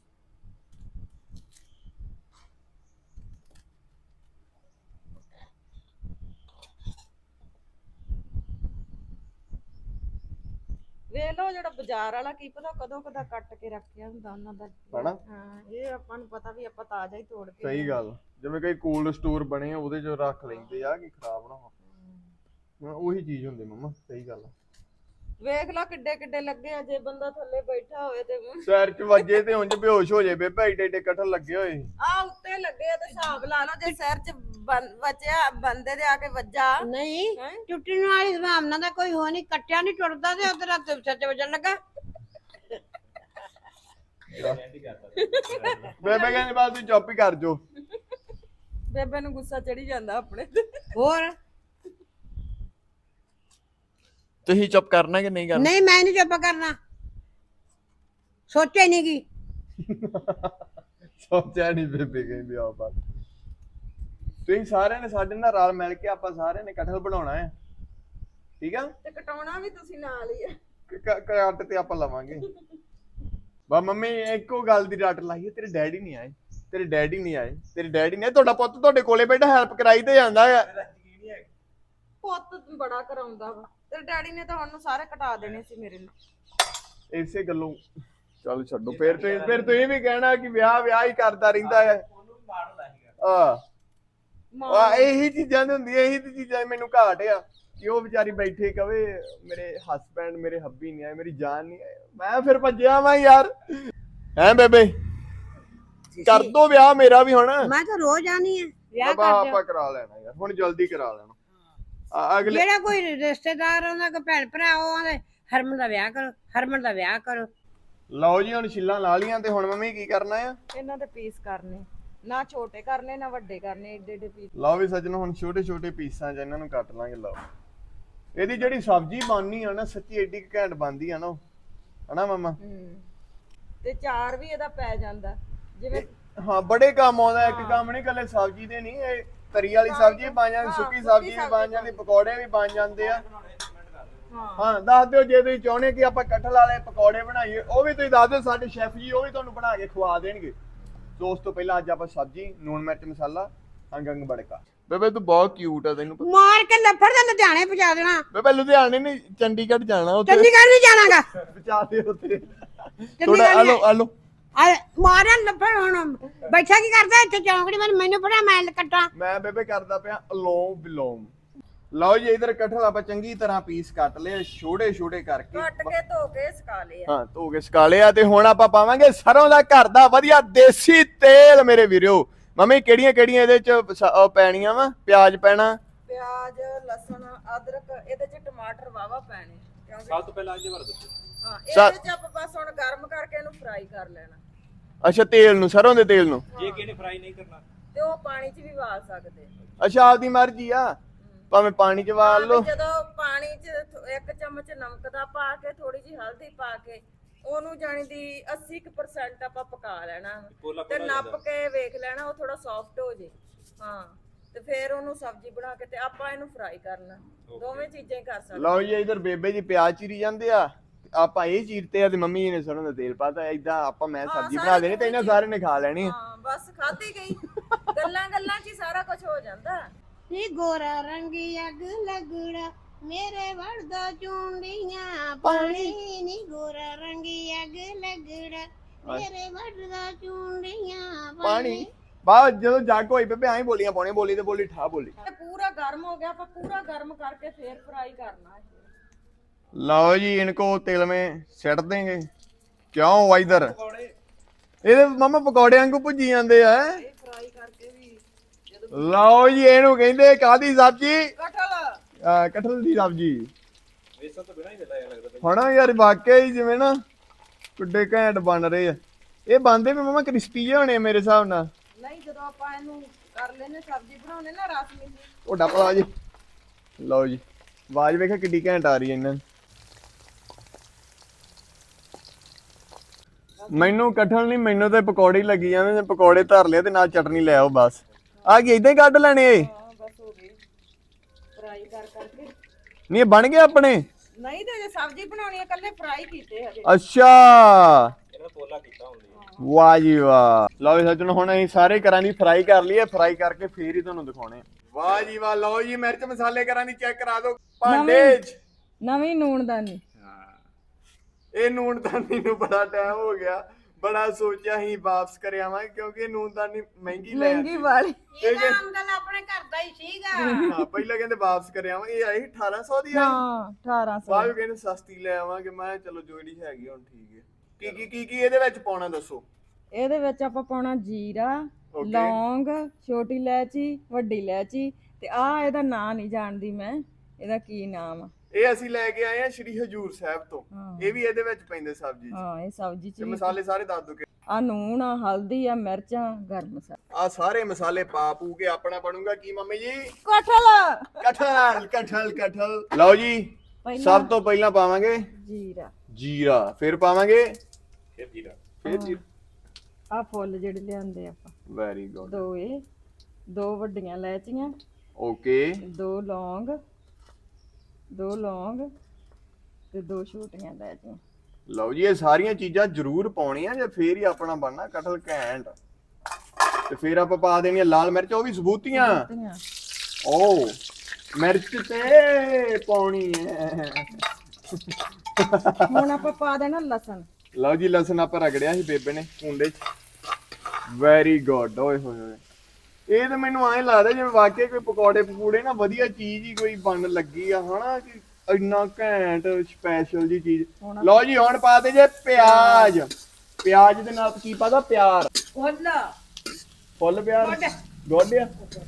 B: ਵੇਖ ਲਓ ਜਿਹੜਾ ਬਾਜ਼ਾਰ ਵਾਲਾ ਕੀ ਪਤਾ ਕਦੋਂ ਕਦਾ ਕੱਟ ਕੇ ਰੱਖਿਆ ਹੁੰਦਾ ਉਹਨਾਂ ਦਾ
A: ਹਨਾ।
B: ਹਾਂ ਇਹ ਆਪਾਂ ਨੂੰ ਪਤਾ ਵੀ ਆਪਾਂ ਤਾਜ਼ਾ ਹੀ ਤੋੜ ਕੇ।
A: ਸਹੀ ਗੱਲ, ਜਿਵੇਂ ਕਈ ਕੋਲਡ ਸਟੋਰ ਬਣੇ ਆ ਉਹਦੇ ਚ ਰੱਖ ਲੈਂਦੇ ਆ ਕਿ ਖਰਾਬ ਨਾ ਹੋ। ਉਹੀ ਚੀਜ਼ ਹੁੰਦੀ ਮੰਮਾ, ਸਹੀ ਗੱਲ ਆ।
B: ਵੇਖ ਲਾ ਕਿੱਡੇ ਕਿੱਡੇ ਲੱਗੇ ਆ, ਜੇ ਬੰਦਾ ਥੱਲੇ ਬੈਠਾ ਹੋਵੇ ਤੇ
A: ਸਿਰ 'ਚ ਵੱਜੇ ਤੇ ਉਂਝ ਬੇਹੋਸ਼ ਹੋ ਜੇ ਬੇਬੇ, ਏਡੇ ਏਡੇ ਕਟਹਲ ਲੱਗੇ ਹੋਏ।
B: ਆ ਉੱਤੇ ਲੱਗੇ ਆ ਤੇ ਹਿਸਾਬ ਲਾ ਲਓ, ਜੇ ਸਿਰ 'ਚ ਵੱਜਿਆ ਬੰਦੇ ਦੇ ਆ ਕੇ ਵੱਜਾ।
E: ਨਹੀਂ
B: ਹੈਂ?
E: ਟੁੱਟਣ ਵਾਲੀ ਸੰਭਾਵਨਾ ਦਾ ਕੋਈ ਹੋ ਨਹੀਂ, ਕੱਟਿਆ ਨਹੀਂ ਟੁੱਟਦਾ ਤੇ ਉਧਰ ਸਿਰ 'ਚ ਵੱਜਣ ਲੱਗਾ।
A: ਬੇਬੇ ਕਹਿੰਦੀ ਬਾਅਦ ਤੂੰ ਚੁੱਪ ਹੀ ਕਰ ਜੋ।
B: ਬੇਬੇ ਨੂੰ ਗੁੱਸਾ ਚੜੀ ਜਾਂਦਾ ਆਪਣੇ ਤੇ।
E: ਹੋਰ
A: ਤੁਸੀਂ ਚੁੱਪ ਕਰਨਾ ਕਿ ਨਹੀਂ ਕਰਨਾ?
E: ਨਹੀਂ ਮੈਂ ਨਹੀਂ ਚੁੱਪ ਕਰਨਾ, ਸੋਚਿਆ ਨਹੀਂ ਕੀ।
A: ਸੋਚਿਆ ਨਹੀਂ ਬੇਬੇ ਕਹਿੰਦੀ ਆ ਬਾਤ। ਤੁਸੀਂ ਸਾਰਿਆਂ ਨੇ ਸਾਡੇ ਨਾਲ ਰਲ ਮਿਲ ਕੇ ਆਪਾਂ ਸਾਰਿਆਂ ਨੇ ਕਟਹਲ ਬਣਾਉਣਾ ਹੈ, ਠੀਕ ਆ?
B: ਤੇ ਕਟਾਉਣਾ ਵੀ ਤੁਸੀਂ ਨਾਲ ਹੀ ਆ।
A: ਕੱਟ ਤੇ ਆਪਾਂ ਲਵਾਂਗੇ। ਬਾ ਮੰਮੀ ਇੱਕੋ ਗੱਲ ਦੀ ਰੱਟ ਲਾਈ ਹੈ, ਤੇਰੇ ਡੈਡੀ ਨਹੀਂ ਆਏ, ਤੇਰੇ ਡੈਡੀ ਨਹੀਂ ਆਏ, ਤੇਰੇ ਡੈਡੀ ਨਹੀਂ ਆਏ। ਤੁਹਾਡਾ ਪੁੱਤ ਤੁਹਾਡੇ ਕੋਲੇ ਬੈਠਾ ਹੈਲਪ ਕਰਾਈ ਤੇ ਜਾਂਦਾ ਆ।
B: ਪੁੱਤ ਬੜਾ ਕਰਾਉਂਦਾ ਵਾ, ਤੇਰੇ ਡੈਡੀ ਨੇ ਤਾਂ ਹੁਣ ਨੂੰ ਸਾਰੇ ਕਟਾ ਦੇਣੇ ਸੀ ਮੇਰੇ ਨਾਲ।
A: ਇਸੇ ਗੱਲੋਂ ਚੱਲ ਛੱਡੋ, ਫਿਰ ਤੁਸੀਂ ਵੀ ਕਹਿਣਾ ਕਿ ਵਿਆਹ ਹੀ ਕਰਦਾ ਰਹਿੰਦਾ ਹੈ। ਇਹੀ ਚੀਜ਼ਾਂ ਦੀ ਹੁੰਦੀਆਂ, ਇਹੀ ਤੇ ਚੀਜ਼ਾਂ ਮੈਨੂੰ ਘਾਟ ਆ ਕਿ ਉਹ ਵਿਚਾਰੀ ਬੈਠੇ ਕਵੇ ਮੇਰੇ ਹਸਬੈਂਡ ਮੇਰੇ ਹੱਬੀ ਨਹੀਂ ਆਏ, ਮੇਰੀ ਜਾਨ ਨਹੀਂ ਆਏ। ਮੈਂ ਫਿਰ ਭੱਜਿਆ ਵਾ ਯਾਰ। ਹੈਂ ਬੇਬੇ, ਕਰ ਦੋ ਵਿਆਹ ਮੇਰਾ ਵੀ ਹੁਣ।
E: ਮੈਂ ਤਾਂ ਰੋਜ਼ ਆਣੀ ਹੈ ਵਿਆਹ ਕਰ
A: ਆਪਾਂ ਕਰਾ ਲੈਣਾ ਯਾਰ, ਹੁਣ ਜਲਦੀ ਕਰਾ ਲੈਣਾ। ਅਗਲੇ
E: ਜਿਹੜਾ ਕੋਈ ਰਿਸ਼ਤੇਦਾਰ ਆਉਂਦਾ ਕੋਈ ਭੈਣ ਭਰਾ ਉਹ ਆਂਦੇ ਹਰਮਨ ਦਾ ਵਿਆਹ ਕਰੋ, ਹਰਮਨ ਦਾ ਵਿਆਹ ਕਰੋ।
A: ਲਓ ਜੀ ਹੁਣ ਛਿੱਲਾਂ ਲਾ ਲੀਆਂ ਤੇ ਹੁਣ ਮੰਮੀ ਕੀ ਕਰਨਾ ਆ?
B: ਇਹਨਾਂ ਦੇ ਪੀਸ ਕਰਨੇ, ਨਾ ਛੋਟੇ ਕਰਨੇ ਨਾ ਵੱਡੇ ਕਰਨੇ, ਏਡੇ ਏਡੇ ਪੀਸ।
A: ਲਓ ਵੀ ਸੱਜਣੋ, ਹੁਣ ਛੋਟੇ ਛੋਟੇ ਪੀਸਾਂ 'ਚ ਇਹਨਾਂ ਨੂੰ ਕੱਟ ਲਾਂਗੇ। ਲਓ ਇਹਦੀ ਜਿਹੜੀ ਸਬਜ਼ੀ ਬਣਨੀ ਆ ਨਾ, ਸੱਚੀ ਏਡੀ ਘੈਂਟ ਬਣਦੀ ਆ ਨਾ, ਹਨਾ ਮਮਾ?
B: ਤੇ ਚਾਰ ਵੀ ਇਹਦਾ ਪੈ ਜਾਂਦਾ ਜਿਵੇਂ।
A: ਹਾਂ ਬੜੇ ਕੰਮ ਆਉਂਦਾ, ਇੱਕ ਕੰਮ ਨਹੀਂ ਕੱਲੇ ਸਬਜ਼ੀ ਦੇ ਨਹੀਂ, ਇਹ ਤਰੀ ਵਾਲੀ ਸਬਜ਼ੀ ਬਣ ਜਾਂਦੀ, ਸੁੱਕੀ ਸਬਜ਼ੀ ਵੀ ਬਣ ਜਾਂਦੀ, ਪਕੌੜੇ ਵੀ ਬਣ ਜਾਂਦੇ ਆ। ਹਾਂ ਦੱਸ ਦਿਓ ਜੇ ਤੁਸੀਂ ਚਾਹੁੰਦੇ ਕਿ ਆਪਾਂ ਕਟਹਲ ਵਾਲੇ ਪਕੌੜੇ ਬਣਾਈਏ, ਉਹ ਵੀ ਤੁਸੀਂ ਦੱਸ ਦਿਓ, ਸਾਡੇ ਸ਼ੈਫ ਜੀ ਉਹ ਵੀ ਤੁਹਾਨੂੰ ਬਣਾ ਕੇ ਖਵਾ ਦੇਣਗੇ। ਉਸ ਤੋਂ ਪਹਿਲਾਂ ਅੱਜ ਆਪਾਂ ਸਬਜ਼ੀ, ਨੂਣ ਮਿਰਚ ਮਸਾਲਾ, ਅੰਗ ਬੜਕਾ। ਬੇਬੇ ਤੂੰ ਬਹੁਤ ਕਿਊਟ ਆ, ਤੈਨੂੰ
E: ਮਾਰ ਕੇ ਲੱਫੜ ਤੇ ਲੁਧਿਆਣੇ ਪਹੁੰਚਾ ਦੇਣਾ।
A: ਬੇਬੇ ਲੁਧਿਆਣੇ ਨਹੀਂ, ਚੰਡੀਗੜ੍ਹ ਜਾਣਾ। ਉੱਥੇ
E: ਚੰਡੀਗੜ੍ਹ ਨਹੀਂ ਜਾਣਾਗਾ,
A: ਪਹੁੰਚਾ ਦੇ ਉੱਥੇ ਥੋੜਾ। ਆਲੋ
E: ਮਾਰਿਆ ਲੱਫੜ। ਹੁਣ ਬੈਠਾ ਕੀ ਕਰਦਾ ਇੱਥੇ ਚੌਂਕੜੀ? ਮੈਨੂੰ ਪੜਾ ਮੈਂ ਕੱਟਾਂ।
A: ਮੈਂ ਬੇਬੇ ਕਰਦਾ ਪਿਆ ਅਲੋਮ ਬਿਲੋਮ। ਲਓ ਜੀ ਇਧਰ ਕਟਹਲ ਆਪਾਂ ਚੰਗੀ ਤਰ੍ਹਾਂ ਪੀਸ ਕੱਟ ਲਏ, ਛੋਟੇ ਛੋਟੇ ਕਰਕੇ
B: ਕੱਟ ਕੇ ਧੋ ਕੇ ਸੁਕਾ ਲਏ ਆ।
A: ਹਾਂ ਧੋ ਕੇ ਸੁਕਾ ਲਿਆ। ਤੇ ਹੁਣ ਆਪਾਂ ਪਾਵਾਂਗੇ ਸਰੋਂ ਦਾ ਘਰ ਦਾ ਵਧੀਆ ਦੇਸੀ ਤੇਲ ਮੇਰੇ ਵੀਰੋ। ਮੰਮੀ ਕਿਹੜੀਆਂ ਕਿਹੜੀਆਂ ਇਹਦੇ ਚ ਪੈਣੀਆਂ ਵਾ? ਪਿਆਜ਼ ਪੈਣਾ,
B: ਪਿਆਜ਼, ਲਸਣ, ਅਦਰਕ, ਇਹਦੇ ਚ ਟਮਾਟਰ ਵਾਵਾ ਪੈਣੇ, ਕਿਉਂਕਿ
C: ਸਭ ਤੋਂ ਪਹਿਲਾਂ ਇਹਦੇ ਬਾਰੇ ਦੱਸੋ।
B: ਹਾਂ ਇਹਦੇ ਚ ਆਪਾਂ ਬਸ ਹੁਣ ਗਰਮ ਕਰਕੇ ਇਹਨੂੰ ਫਰਾਈ ਕਰ ਲੈਣਾ।
A: ਅੱਛਾ ਤੇਲ ਨੂੰ, ਸਰੋਂ ਦੇ ਤੇਲ ਨੂੰ।
C: ਜੇ ਕਿਹਨੇ ਫਰਾਈ ਨਹੀਂ ਕਰਨਾ
B: ਤੇ ਉਹ ਪਾਣੀ 'ਚ ਵੀ ਵਾਲ ਸਕਦੇ।
A: ਅੱਛਾ ਆਪਦੀ ਮਰਜ਼ੀ ਆ, ਭਾਵੇਂ ਪਾਣੀ ਚ ਵਾਲ ਲਓ।
B: ਜਦੋਂ ਪਾਣੀ 'ਚ 1 ਚਮਚ ਨਮਕ ਦਾ ਪਾ ਕੇ, ਥੋੜੀ ਜਿਹੀ ਹਲਦੀ ਪਾ ਕੇ, ਉਹਨੂੰ ਜਾਣੀ ਦੀ 80% ਆਪਾਂ ਪਕਾ ਲੈਣਾ ਤੇ ਨੱਪ ਕੇ ਵੇਖ ਲੈਣਾ ਉਹ ਥੋੜਾ ਸੌਫਟ ਹੋ ਜੇ। ਹਾਂ ਤੇ ਫਿਰ ਉਹਨੂੰ ਸਬਜ਼ੀ ਬਣਾ ਕੇ ਤੇ ਆਪਾਂ ਇਹਨੂੰ ਫਰਾਈ ਕਰਨਾ। ਦੋਵੇਂ ਚੀਜ਼ਾਂ ਹੀ ਕਰ ਸਕਦੇ।
A: ਲਓ ਜੀ ਇਧਰ ਬੇਬੇ ਜੀ ਪਿਆਜ਼ ਚੀਰੀ ਜਾਂਦੇ ਆ, ਆਪਾਂ ਇਹ ਚੀਰਤੇ ਆ ਤੇ ਮੰਮੀ ਜੀ ਨੇ ਸਰੋਂ ਦਾ ਤੇਲ ਪਾਤਾ। ਏਦਾਂ ਆਪਾਂ ਮੈਂ ਸਬਜ਼ੀ ਬਣਾ ਦੇਣੀ ਤੇ ਇਹਨਾਂ ਸਾਰੇ ਨੇ ਖਾ ਲੈਣੀ।
B: ਹਾਂ ਬਸ ਖਾਧੀ ਗਈ। ਗੱਲਾਂ ਗੱਲਾਂ 'ਚ ਹੀ ਸਾਰਾ ਕੁਝ ਹੋ ਜਾਂਦਾ।
E: ਨੀ ਗੋਰਾ ਰੰਗੀ ਅੱਗ ਲੱਗੜਾ ਮੇਰੇ ਵੜਦਾ ਚੁੰਡੀਆਂ ਪਾਣੀ। ਨੀ ਗੋਰਾ ਰੰਗੀ ਅੱਗ ਲੱਗੜਾ ਮੇਰੇ ਵੜਦਾ ਚੁੰਡੀਆਂ
A: ਪਾਣੀ। ਬਾਅਦ ਜਦੋਂ ਜੱਗ ਹੋਈ ਬੇਬੇ ਐਂ ਬੋਲੀਆਂ ਪਾਉਣੀਆਂ, ਬੋਲੀ ਤੇ ਬੋਲੀ ਠਾ ਬੋਲੀ।
B: ਪੂਰਾ ਗਰਮ ਹੋ ਗਿਆ, ਆਪਾਂ ਪੂਰਾ ਗਰਮ ਕਰਕੇ ਫੇਰ ਫਰਾਈ ਕਰਨਾ ਹੈ।
A: ਲਓ ਜੀ इनको तेल में ਸਿੱਟ देंगे। ਕਿਉਂ ਵਾ ਇਧਰ ਇਹਦੇ ਮਾਮਾ ਪਕੌੜੇ ਵਾਂਗੂ ਭੁੱਜੀ ਜਾਂਦੇ ਆ।
B: ਇਹ ਫਰਾਈ ਕਰਕੇ ਵੀ
A: ਲਓ ਜੀ ਇਹਨੂੰ ਕਹਿੰਦੇ ਕਾਦੀ ਸਬਜ਼ੀ?
B: ਕਟਹਲ।
A: ਕਟਹਲ ਦੀ ਸਬਜ਼ੀ।
C: ਵੇਸਣ ਤੋਂ ਬਿਨਾਂ ਹੀ ਦਿੰਦਾ ਲੱਗਦਾ
A: ਹਣਾ ਯਾਰ ਵਾਕਿਆ ਹੀ ਜਿਵੇਂ ਨਾ ਕਿੱਡੇ ਘੈਂਟ ਬਣ ਰਹੇ ਆ। ਇਹ ਬਣਦੇ ਵੀ ਮਾਮਾ ਕ੍ਰਿਸਪੀ ਜਿਹੇ ਹੋਣੇ ਮੇਰੇ ਹਿਸਾਬ ਨਾਲ।
B: ਨਹੀਂ ਜਦੋਂ ਆਪਾਂ ਇਹਨੂੰ ਕਰ ਲੈਨੇ ਸਬਜ਼ੀ ਬਣਾਉਣੇ ਨਾ ਰਸ ਮਿਲੀ।
A: ਤੁਹਾਡਾ ਭਲਾ ਜੀ। ਲਓ ਜੀ ਆਵਾਜ਼ ਵੇਖਿਆ ਕਿੱਡੀ ਘੈਂਟ ਆ ਰਹੀ ਹੈ ਇਹਨਾਂ ਨੂੰ। ਮੈਨੂੰ ਕਟਹਲ ਨਹੀਂ, ਮੈਨੂੰ ਤੇ ਪਕੌੜੇ ਹੀ ਲੱਗੀ ਜਾਂਦੇ ਨੇ। ਪਕੌੜੇ ਧਰ ਲਿਆ ਤੇ ਨਾਲ ਚਟਨੀ ਲੈ ਆਓ ਬਸ। ਆ ਕੀ ਇਦਾਂ ਹੀ ਕੱਢ ਲੈਣੇ ਏ?
B: ਹਾਂ ਬਸ ਹੋ ਗਈ ਫਰਾਈ ਕਰਕੇ।
A: ਨਹੀਂ ਬਣ ਗਏ ਆਪਣੇ?
B: ਨਹੀਂ ਤੇ ਜੇ ਸਬਜ਼ੀ ਬਣਾਉਣੀ ਹੈ ਕੱਲੇ ਫਰਾਈ ਕੀਤੇ ਹਜੇ।
A: ਅੱਛਾ
C: ਇਹਨਾਂ ਪੋਲਾ ਕੀਤਾ ਹੁੰਦੀ।
A: ਵਾਹ ਜੀ ਵਾਹ। ਲਓ ਜੀ ਸੱਜਣੋ ਹੁਣ ਅਸੀਂ ਸਾਰੇ ਘਰਾਂ ਦੀ ਫਰਾਈ ਕਰ ਲਈਏ, ਫਰਾਈ ਕਰਕੇ ਫੇਰ ਹੀ ਤੁਹਾਨੂੰ ਦਿਖਾਉਣੇ। ਵਾਹ ਜੀ ਵਾਹ। ਲਓ ਜੀ ਮਿਰਚ ਮਸਾਲੇ ਘਰਾਂ ਦੀ ਚੈੱਕ ਕਰਾ ਦਿਓ ਭਾਂਡੇ 'ਚ।
B: ਨਵੀਂ ਨੂਣਦਾਨੀ।
A: ਇਹ ਨੂਣਦਾਨੀ ਨੂੰ ਬੜਾ ਟਾਈਮ ਹੋ ਗਿਆ। ਬੜਾ ਸੋਚਿਆ ਹੀ ਵਾਪਸ ਕਰ ਆਵਾਂਗੇ ਕਿਉਂਕਿ ਨੂਨਦਾਨੀ ਮਹਿੰਗੀ ਲੈ
B: ਮਹਿੰਗੀ ਵਾਲੀ
E: ਇਹਦਾ ਆਮਦਨ ਆਪਣੇ ਘਰ ਦਾ ਹੀ ਸੀਗਾ।
A: ਹਾਂ ਪਹਿਲਾਂ ਕਹਿੰਦੇ ਵਾਪਸ ਕਰ ਆਵਾਂਗੇ, ਇਹ ਆਈ 1800 ਦੀ ਆਈ।
B: ਹਾਂ 1800
A: ਬਾਅਦ ਵਿੱਚ ਕਹਿੰਦੇ ਸਸਤੀ ਲੈ ਆਵਾਂਗੇ। ਮੈਂ ਕਿਹਾ ਚਲੋ ਜਿਹੜੀ ਹੈਗੀ ਹੁਣ ਠੀਕ ਹੈ। ਕੀ ਇਹਦੇ ਵਿੱਚ ਪਾਉਣਾ ਦੱਸੋ।
B: ਇਹਦੇ ਵਿੱਚ ਆਪਾਂ ਪਾਉਣਾ ਜੀਰਾ,
A: Okay.
B: ਲੌਂਗ, ਛੋਟੀ ਇਲਾਇਚੀ, ਵੱਡੀ ਇਲਾਇਚੀ ਤੇ ਆ ਇਹਦਾ ਨਾਂ ਨਹੀਂ ਜਾਣਦੀ ਮੈਂ, ਇਹਦਾ ਕੀ ਨਾਮ ਆ।
A: ਇਹ ਅਸੀਂ ਲੈ ਕੇ ਆਏ ਆ ਸ਼੍ਰੀ ਹਜੂਰ ਸਾਹਿਬ ਤੋਂ।
B: ਹਾਂ।
A: ਇਹ ਵੀ ਇਹਦੇ ਵਿੱਚ ਪੈਂਦੇ ਸਬਜ਼ੀ ਚ।
B: ਹਾਂ ਇਹ ਸਬਜ਼ੀ
A: ਤੇ
B: ਚ
A: ਮਸਾਲੇ ਸਾਰੇ ਦੱਸ ਦੋ ਕਿ
B: ਆ ਨੂਣ ਆ, ਹਲਦੀ ਆ, ਮਿਰਚਾਂ, ਗਰਮ ਮਸਾਲਾ।
A: ਆ ਸਾਰੇ ਮਸਾਲੇ ਪਾ ਪੂ ਕੇ ਆਪਣਾ ਬਣੂਗਾ ਕੀ ਮੰਮੀ ਜੀ।
B: ਕਟਹਲ
A: ਕਠਲ ਲਓ ਜੀ। ਸਭ ਤੋਂ ਪਹਿਲਾਂ ਪਾਵਾਂਗੇ ਜੀਰਾ, ਫਿਰ ਪਾਵਾਂਗੇ
C: ਫਿਰ ਜੀਰਾ,
A: ਫਿਰ ਜੀਰਾ।
B: ਆ ਫੁੱਲ ਜਿਹੜੇ ਲਿਆਂਦੇ ਆਪਾਂ
A: ਵੈਰੀ ਗੁੱਡ।
B: ਦੋ ਵੱਡੀਆਂ ਇਲਾਇਚੀਆਂ,
A: ਓਕੇ,
B: ਦੋ ਲੌਂਗ ਤੇ ਦੋ ਛੋਟੀਆਂ ਇਲਾਇਚੀਆਂ।
A: ਲਓ ਜੀ ਇਹ ਸਾਰੀਆਂ ਚੀਜ਼ਾਂ ਜ਼ਰੂਰ ਪਾਉਣੀਆਂ ਜੇ ਫੇਰ ਹੀ ਆਪਣਾ ਬਣਨਾ ਕਟਹਲ ਘੈਂਟ। ਤੇ ਫਿਰ ਆਪਾਂ ਪਾ ਦੇਣੀਆਂ ਲਾਲ ਮਿਰਚ, ਉਹ ਵੀ ਸਬੂਤੀਆਂ। ਓ ਮਿਰਚ ਤੇ ਪਾਉਣੀ ਹੈ।
B: ਹੁਣ ਆਪਾਂ ਪਾ ਦੇਣਾ ਲਸਣ।
A: ਲਓ ਜੀ ਲਸਣ ਆਪਾਂ ਰਗੜਿਆ ਸੀ ਬੇਬੇ ਨੇ ਕੁੰਡੇ 'ਚ। Very good. ਓਏ ਹੋਏ ਹੋਏ, ਇਹ ਤਾਂ ਮੈਨੂੰ ਐਂ ਲੱਗਦਾ ਜਿਵੇਂ ਵਾਕਿਆ ਕੋਈ ਪਕੌੜੇ ਪਕੂੜੇ ਨਾ ਵਧੀਆ ਚੀਜ਼ ਹੀ ਕੋਈ ਬਣ ਲੱਗੀ ਆ ਹਨਾ, ਕਿ ਇੰਨਾ ਘੈਂਟ ਸਪੈਸ਼ਲ ਜੀ ਚੀਜ਼। ਲਓ ਜੀ ਹੁਣ ਪਾ ਦੇ ਜੇ ਪਿਆਜ਼। ਪਿਆਜ਼ ਦੇ ਨਾਲ ਕੀ ਪਾਦਾ? ਪਿਆਰ। ਫੁੱਲ ਪਿਆਰ ਗੋਡਿਆ।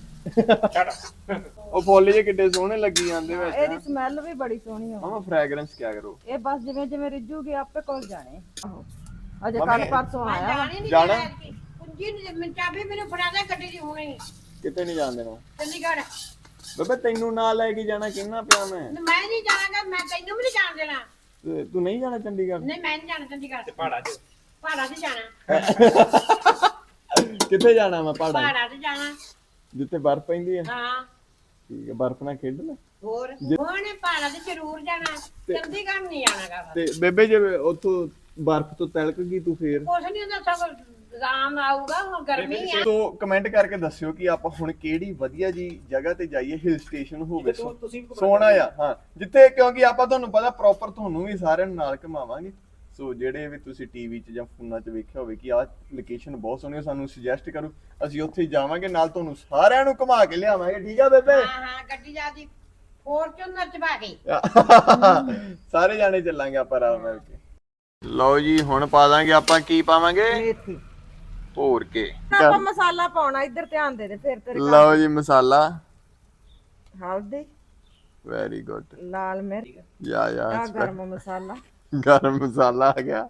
A: ਉਹ ਫੁੱਲ ਜੇ ਕਿੱਡੇ ਸੋਹਣੇ ਲੱਗੀ ਜਾਂਦੇ ਵਿੱਚ।
B: ਇਹਦੀ ਸਮੈਲ ਵੀ ਬੜੀ ਸੋਹਣੀ ਆ।
A: ਮਾਮਾ ਫ੍ਰੈਗਰੈਂਸ ਕਿਆ ਕਰੋ।
B: ਇਹ ਬਸ ਜਿਵੇਂ ਜਿਵੇਂ ਰਿੱਝੂਗੇ ਆਪੇ ਕੋਲ ਜਾਣੇ। ਆਹੋ ਅਜੇ ਕੱਲ ਪਰਸੋਂ ਆਇਆ।
A: ਜਾਣਾ
E: ਕੁੰਜੀ ਨੂੰ ਚਾਬੀ ਮੈਨੂੰ ਫੜਾ ਦੇ ਗੱਡੀ ਦੀ ਹੁਣੇ।
A: ਕਿਤੇ ਨਹੀਂ ਜਾਣ ਦੇਣਾ
E: ਚੰਡੀਗੜ੍ਹ।
A: ਬੇਬੇ ਤੈਨੂੰ ਨਾਲ ਲੈ ਕੇ ਜਾਣਾ ਕਿੰਨਾ ਪਿਆ ਮੈਂ
E: ਨਹੀਂ ਜਾਣਾਗਾ, ਮੈਂ ਤੈਨੂੰ ਵੀ ਨਹੀਂ ਜਾਣ ਦੇਣਾ।
A: ਤੂੰ ਨਹੀਂ ਜਾਣਾ ਚੰਡੀਗੜ੍ਹ?
E: ਨਹੀਂ ਮੈਂ ਨਹੀਂ ਜਾਣਾ ਚੰਡੀਗੜ੍ਹ।
C: ਤੇ ਪਹਾੜਾਂ 'ਚ
E: ਪਹਾੜਾਂ 'ਚ ਜਾਣਾ।
A: ਕਿੱਥੇ ਜਾਣਾ ਮੈਂ?
E: ਪਹਾੜਾਂ 'ਚ ਜਾਣਾ
A: ਜਿੱਥੇ ਬਰਫ਼ ਪੈਂਦੀ ਹੈ।
E: ਹਾਂ
A: ਠੀਕ ਹੈ, ਬਰਫ਼ ਨਾਲ ਖੇਡਣਾ।
E: ਹੋਰ ਉਹਨੇ ਪਹਾੜਾਂ 'ਚ ਜ਼ਰੂਰ ਜਾਣਾ, ਚੰਡੀਗੜ੍ਹ ਨਹੀਂ ਜਾਣਾਗਾ।
A: ਤੇ ਬੇਬੇ ਜੇ ਉੱਥੋਂ ਬਰਫ਼ ਤੋਂ ਤਿਲਕ ਗਈ ਤੂੰ ਫੇਰ?
E: ਕੁਛ ਨਹੀਂ ਹੁੰਦਾ, ਸਭ ਆਰਾਮ ਆਊਗਾ। ਹੁਣ ਗਰਮੀ ਆ।
A: ਸੋ ਕਮੈਂਟ ਕਰਕੇ ਦੱਸਿਓ ਕਿ ਆਪਾਂ ਹੁਣ ਕਿਹੜੀ ਵਧੀਆ ਜੀ ਜਗ੍ਹਾ ਤੇ ਜਾਈਏ, ਹਿਲ ਸਟੇਸ਼ਨ ਹੋਵੇ ਸੋਹਣਾ ਆ। ਹਾਂ ਜਿੱਥੇ, ਕਿਉਂਕਿ ਆਪਾਂ ਤੁਹਾਨੂੰ ਪਤਾ ਪ੍ਰੋਪਰ ਤੁਹਾਨੂੰ ਵੀ ਸਾਰਿਆਂ ਨੂੰ ਨਾਲ ਘੁਮਾਵਾਂਗੇ। ਸੋ ਜਿਹੜੇ ਵੀ ਤੁਸੀਂ ਟੀਵੀ 'ਚ ਜਾਂ ਫੋਨਾਂ 'ਚ ਵੇਖਿਆ ਹੋਵੇ ਕਿ ਆਹ ਲੋਕੇਸ਼ਨ ਬਹੁਤ ਸੋਹਣੀ ਆ, ਸਾਨੂੰ ਸੁਜੈਸਟ ਕਰੋ, ਅਸੀਂ ਉੱਥੇ ਜਾਵਾਂਗੇ, ਨਾਲ ਤੁਹਾਨੂੰ ਸਾਰਿਆਂ ਨੂੰ ਘੁਮਾ ਕੇ ਲਿਆਵਾਂਗੇ। ਠੀਕ ਆ ਬੇਬੇ?
E: ਹਾਂ ਗੱਡੀ ਜਾਂਦੀ ਫੋਰਚੂਨਰ 'ਚ ਪਾ ਕੇ
A: ਸਾਰੇ ਜਾਣੇ ਚੱਲਾਂਗੇ ਆਪਾਂ ਆਰਾਮ ਨਾਲ ਕੇ। ਲਓ ਜੀ ਹੁਣ ਪਾ ਦਾਂਗੇ ਆਪਾਂ, ਕੀ ਪਾਵਾਂਗੇ? ਮੇਥੀ ਭੋਰ ਕੇ।
B: ਆਪਾਂ ਮਸਾਲਾ ਪਾਉਣਾ, ਇੱਧਰ ਧਿਆਨ ਦੇ ਫਿਰ ਤੇਰੇ।
A: ਲਓ ਜੀ ਮਸਾਲਾ,
B: ਹਲਦੀ,
A: ਵੈਰੀ ਗੁੱਡ,
B: ਲਾਲ ਮਿਰਚ,
A: ਯਾ
B: ਗਰਮ ਮਸਾਲਾ,
A: ਗਰਮ ਮਸਾਲਾ ਆ ਗਿਆ,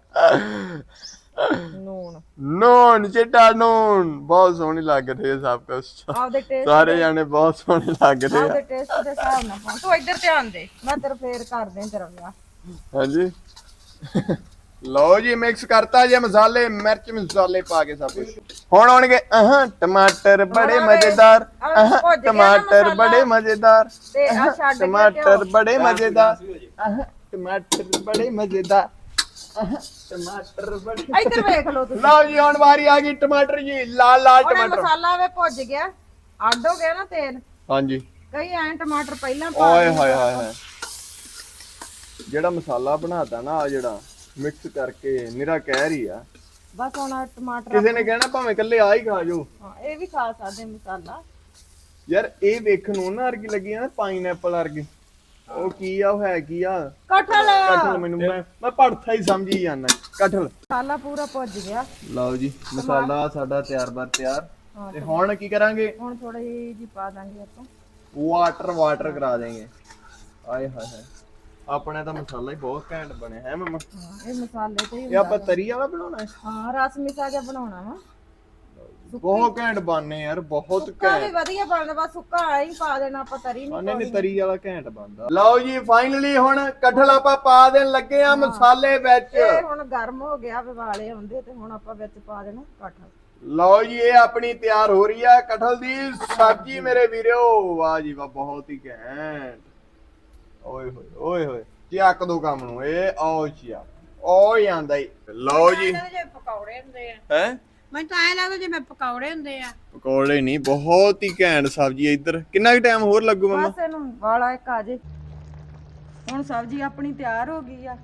B: ਨੂਣ
A: ਚਿੱਟਾ ਨੂਣ। ਬਹੁਤ ਸੋਹਣੀ ਲੱਗ ਰਹੀ ਹੈ ਸਭ ਕੁਝ।
B: ਆਪਦੇ ਟੇਸਟ
A: ਸਾਰੇ ਜਾਣੇ ਬਹੁਤ ਸੋਹਣੇ ਲੱਗ ਰਹੇ
B: ਆਪਦੇ
A: ਆ।
B: ਟੇਸਟ ਦੇ ਹਿਸਾਬ ਨਾਲ ਪਾਉ। ਤੂੰ ਇੱਧਰ ਧਿਆਨ ਦੇ, ਮੈਂ ਤੇਰਾ ਫੇਰ ਕਰਦੇ ਤੇਰਾ ਵਿਆਹ।
A: ਹਾਂਜੀ ਲਓ ਜੀ ਮਿਕਸ ਕਰਤਾ ਜੇ ਮਸਾਲੇ, ਮਿਰਚ ਮਸਾਲੇ ਪਾ ਕੇ ਸਭ ਕੁਝ। ਹੁਣ ਆਉਣਗੇ ਟਮਾਟਰ ਬੜੇ ਮਜ਼ੇਦਾਰ, ਟਮਾਟਰ ਬੜੇ ਮਜ਼ੇਦਾਰ,
B: ਤੇ ਆ ਛੱਡ ਕੇ
A: ਟਮਾਟਰ ਬੜੇ ਮਜ਼ੇਦਾਰ, ਟਮਾਟਰ ਬੜੇ ਮਜ਼ੇਦਾਰ, ਟਮਾਟਰ ਬੜੇ।
B: ਇੱਧਰ ਵੇਖ ਲਓ ਤੁਸੀਂ।
A: ਲਓ ਜੀ ਹੁਣ ਵਾਰੀ ਆ ਗਈ ਟਮਾਟਰ ਜੀ, ਲਾਲ ਲਾਲ
B: ਹੁਣ
A: ਟਮਾਟਰ।
B: ਮਸਾਲਾ ਵੇ ਭੁੱਜ ਗਿਆ, ਅੱਡ ਹੋ ਗਿਆ ਨਾ ਤੇਲ।
A: ਹਾਂਜੀ
B: ਕਈ ਐਂ ਟਮਾਟਰ ਪਹਿਲਾਂ ਪਾ
A: ਓਏ
B: ਦਿੰਦੇ
A: ਹਾਏ
B: ਆ।
A: ਹਾਏ ਹਾਏ, ਜਿਹੜਾ ਮਸਾਲਾ ਬਣਾਤਾ ਨਾ ਆ ਜਿਹੜਾ ਮਿਕਸ ਕਰਕੇ ਨਿਰਾ ਕਹਿ ਰਹੀ ਆ।
B: ਬਸ ਹੁਣ ਆਹ ਟਮਾਟਰ
A: ਕਿਸੇ ਨੇ ਕਹਿਣਾ ਭਾਵੇਂ ਇਕੱਲੇ ਆ ਹੀ ਖਾ ਜੋ।
B: ਹਾਂ ਇਹ ਵੀ ਖਾ ਸਕਦੇ ਮਸਾਲਾ।
A: ਯਾਰ ਇਹ ਵੇਖਣ ਨੂੰ ਨਾ ਅਰਗੀ ਲੱਗੀ ਨਾ ਪਾਈਨਐਪਲ ਵਰਗੀ। ਉਹ ਕੀ ਆ, ਉਹ ਹੈ ਕੀ ਆ? ਕਟਹਲ। ਮੈਨੂੰ ਮੈਂ ਭੜਥਾ ਹੀ ਸਮਝੀ ਜਾਂਦਾ। ਕਟਹਲ
B: ਮਸਾਲਾ ਪੂਰਾ ਭੁੱਜ ਗਿਆ।
A: ਲਓ ਜੀ ਮਸਾਲਾ ਸਾਡਾ ਤਿਆਰ। ਤੇ ਹੁਣ ਕੀ ਕਰਾਂਗੇ?
B: ਹੁਣ ਥੋੜੀ ਜੀ ਪਾ ਦਾਂਗੇ ਆਪਾਂ
A: ਵਾਟਰ ਕਰਾ ਦੇਂਗੇ। ਆਏ ਹਾਏ ਹਾਏ, ਆਪਣੇ ਤਾਂ ਮਸਾਲਾ ਹੀ ਬਹੁਤ ਘੈਂਟ ਬਣਿਆ ਹੈ ਮਮਾ।
B: ਹਾਂ ਇਹ ਮਸਾਲੇ ਤੇ ਹੀ
A: ਇਹ ਆਪਾਂ ਤਰੀ ਵਾਲਾ ਬਣਾਉਣਾ ਹੈ?
B: ਹਾਂ ਰਸ ਮਿਸਾ ਜਿਹਾ ਬਣਾਉਣਾ ਵਾ।
A: ਬਹੁਤ ਘੈਂਟ ਬਣਨੇ ਯਾਰ, ਬਹੁਤ
B: ਸੁੱਕਾ ਵੀ
A: ਘੈਂਟ।
B: ਵਧੀਆ ਬਣਦਾ, ਬਸ ਸੁੱਕਾ ਹੀ ਪਾ ਦੇਣਾ ਆਪਾਂ, ਤਰੀ ਨਹੀਂ
A: ਨਹੀਂ ਤਰੀ ਵਾਲਾ ਘੈਂਟ ਬਣਦਾ। ਲਓ ਜੀ ਫਾਈਨਲੀ ਹੁਣ ਕਟਹਲ ਆਪਾਂ ਪਾ ਦੇਣ ਲੱਗੇ ਆ ਮਸਾਲੇ ਵਿੱਚ।
B: ਇਹ ਹੁਣ ਗਰਮ ਹੋ ਗਿਆ, ਵਿਵਾਲੇ ਆਉਂਦੇ ਤੇ ਹੁਣ ਆਪਾਂ ਵਿੱਚ ਪਾ ਦੇਣਾ ਕਟਹਲ।
A: ਲਓ ਜੀ ਇਹ ਆਪਣੀ ਤਿਆਰ ਹੋ ਰਹੀ ਆ ਕਟਹਲ ਦੀ ਸਬਜ਼ੀ ਮੇਰੇ ਵੀਰੋ। ਵਾਹ ਜੀ ਵਾਹ, ਬਹੁਤ ਹੀ ਘੈਂਟ। ਓਏ ਹੋਏ ਓਏ ਹੋਏ, ਚੱਕ ਦੋ ਕੰਮ ਨੂੰ। ਇਹ ਆਓ ਚਿਆ ਓ ਜਾਂਦਾ ਹੀ। ਲਓ ਜੀ
E: ਪਕੌੜੇ ਹੁੰਦੇ ਆ।
A: ਹੈ
E: ਮੈਨੂੰ ਤਾਂ ਐਂ ਲੱਗਦਾ ਜਿਵੇਂ ਪਕੌੜੇ ਹੁੰਦੇ ਆ।
A: ਪਕੌੜੇ ਨਹੀਂ, ਬਹੁਤ ਹੀ ਘੈਂਟ ਸਬਜ਼ੀ। ਇੱਧਰ ਕਿੰਨਾ ਕੁ ਟਾਈਮ ਹੋਰ ਲੱਗੂ ਮਮਾ?
B: ਬਸ ਇਹਨੂੰ ਵਾਲਾ ਇੱਕ ਆ ਜੇ। ਹੁਣ ਸਬਜ਼ੀ ਆਪਣੀ ਤਿਆਰ ਹੋ ਗਈ ਆ।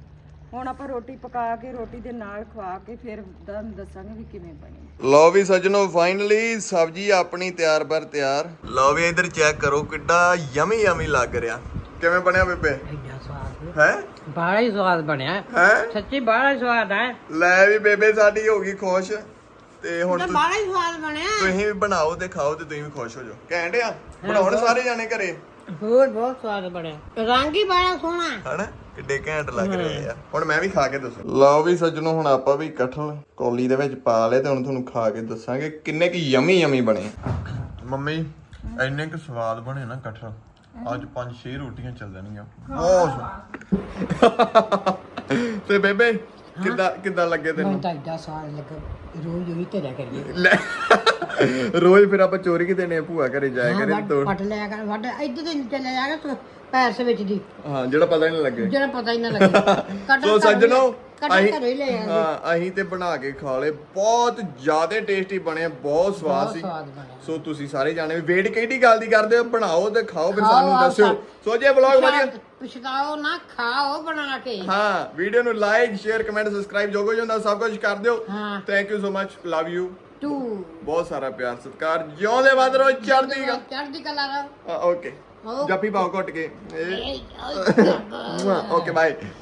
B: ਹੁਣ ਆਪਾਂ ਰੋਟੀ ਪਕਾ ਕੇ ਰੋਟੀ ਦੇ ਨਾਲ ਖਵਾ ਕੇ ਫਿਰ ਤੁਹਾਨੂੰ ਦੱਸਾਂਗੇ ਵੀ ਕਿਵੇਂ ਬਣੀ।
A: ਲਓ ਵੀ ਸੱਜਣੋ ਫਾਈਨਲੀ ਸਬਜ਼ੀ ਆਪਣੀ ਤਿਆਰ ਬਰ ਤਿਆਰ। ਲਓ ਵੀ ਇੱਧਰ ਚੈੱਕ ਕਰੋ ਕਿੱਡਾ ਯਮੀ ਯਮੀ ਲੱਗ ਰਿਹਾ। ਕਿਵੇਂ ਬਣਿਆ ਬੇਬੇ?
D: ਐਡਾ ਸਵਾਦ
A: ਹੈ
D: ਬੜਾ ਹੀ ਸਵਾਦ ਬਣਿਆ
A: ਹੈ
D: ਸੱਚੀ ਬੜਾ ਹੀ ਸਵਾਦ ਹੈ।
A: ਲੈ ਵੀ ਬੇਬੇ ਸਾਡੀ ਹੋ ਗਈ ਖੁਸ਼ ਤੇ ਹੁਣ
E: ਬੜਾ ਹੀ ਸਵਾਦ ਬਣਿਆ।
A: ਤੁਸੀਂ ਵੀ ਬਣਾਓ ਤੇ ਖਾਓ ਤੇ ਤੁਸੀਂ ਵੀ ਖੁਸ਼ ਹੋ ਜਾਓ। ਕਹਿਣ ਡਿਆ ਬਣਾਉਣ ਸਾਰੇ ਜਾਣੇ ਘਰੇ
E: ਹੋਰ ਬਹੁਤ ਸਵਾਦ ਬਣਿਆ। ਰੰਗ ਹੀ ਬੜਾ ਸੋਹਣਾ
A: ਹਨਾ ਕਿੱਡੇ ਘੈਂਟ ਲੱਗ ਰਹੇ ਆ। ਹੁਣ ਮੈਂ ਵੀ ਖਾ ਕੇ ਦੱਸਾਂ। ਲਓ ਵੀ ਸੱਜਣੋ ਹੁਣ ਆਪਾਂ ਵੀ ਕਟਹਲ ਕੌਲੀ ਦੇ ਵਿੱਚ ਪਾ ਲਏ ਤੇ ਹੁਣ ਤੁਹਾਨੂੰ ਖਾ ਕੇ ਦੱਸਾਂਗੇ ਕਿੰਨੇ ਕੁ ਯਮੀ ਯਮੀ ਬਣੇ। ਮੰਮੀ ਇੰਨੇ ਕੁ ਸਵਾਦ ਬਣੇ ਨਾ ਕਟਹਲ ਅੱਜ 5-6 ਰੋਟੀਆਂ ਚੱਲ ਜਾਣਗੀਆਂ ਬਹੁਤ। ਤੇ ਬੇਬੇ ਕਿੱਦਾਂ ਲੱਗੇ ਤੈਨੂੰ?
D: ਤਾਂ ਐਡਾ ਸਵਾਦ ਲੱਗਾ ਰੋਜ਼ ਉਹੀ ਧਰਿਆ ਕਰੀਏ।
A: ਲੈ ਰੋਜ਼ ਫਿਰ ਆਪਾਂ ਚੋਰੀ ਕਿ ਦੇਣੇ ਭੂਆ ਘਰੇ ਜਾਇਆ ਕਰੇ ਤੋੜ
E: ਪਟ ਲਿਆ ਕਰ ਵੱਡ ਇੱਧਰ ਤੇ ਚਲੇ ਜਾਗਾ ਤੂੰ ਪੈਸੇ ਵਿੱਚ ਦੀ
A: ਹਾਂ ਜਿਹੜਾ ਪਤਾ ਹੀ ਨਹੀਂ ਲੱਗੇ।
E: ਜਿਹੜਾ ਪਤਾ ਹੀ ਨਾ ਲੱਗੇ।
A: ਸੋ ਸੱਜਣੋ
E: ਅਸੀਂ ਘਰੇ ਲੈ ਆਂਦੇ।
A: ਹਾਂ ਅਸੀਂ ਤੇ ਬਣਾ ਕੇ ਖਾ ਲਏ ਬਹੁਤ ਜ਼ਿਆਦਾ ਟੇਸਟੀ ਬਣੇ ਬਹੁਤ ਸਵਾਦ ਸੀ।
E: ਸਵਾਦ ਬਣਿਆ।
A: ਸੋ ਤੁਸੀਂ ਸਾਰੇ ਜਾਣੇ ਵੇਟ ਕਿਹੜੀ ਗੱਲ ਦੀ ਕਰਦੇ ਹੋ ਬਣਾਓ ਤੇ ਖਾਓ ਫਿਰ ਸਾਨੂੰ ਦੱਸਿਓ। ਸੋ ਜੇ ਵਲੌਗ ਵਧੀਆ
E: ਪਛਤਾਓ ਨਾ ਖਾਓ ਬਣਾ ਕੇ।
A: ਹਾਂ ਵੀਡੀਓ ਨੂੰ ਲਾਈਕ ਸ਼ੇਅਰ ਕਮੈਂਟ ਸਬਸਕ੍ਰਾਈਬ ਜੋ ਕੁਝ ਹੁੰਦਾ ਸਭ ਕੁਝ ਕਰ ਦਿਓ।
E: ਹਾਂ
A: thank you so much love you
E: ਤੂੰ
A: ਬਹੁਤ ਸਾਰਾ ਪਿਆਰ ਸਤਿਕਾਰ ਜਿਉਂਦੇ ਵੱਧ ਰਹੋ
E: ਚੜ੍ਹਦੀ ਕਲਾ ਰਹੋ।
A: ਓਕੇ ਜੱਫੀ ਪਾਓ ਘੁੱਟ ਕੇ ਓਕੇ ਬਾਏ।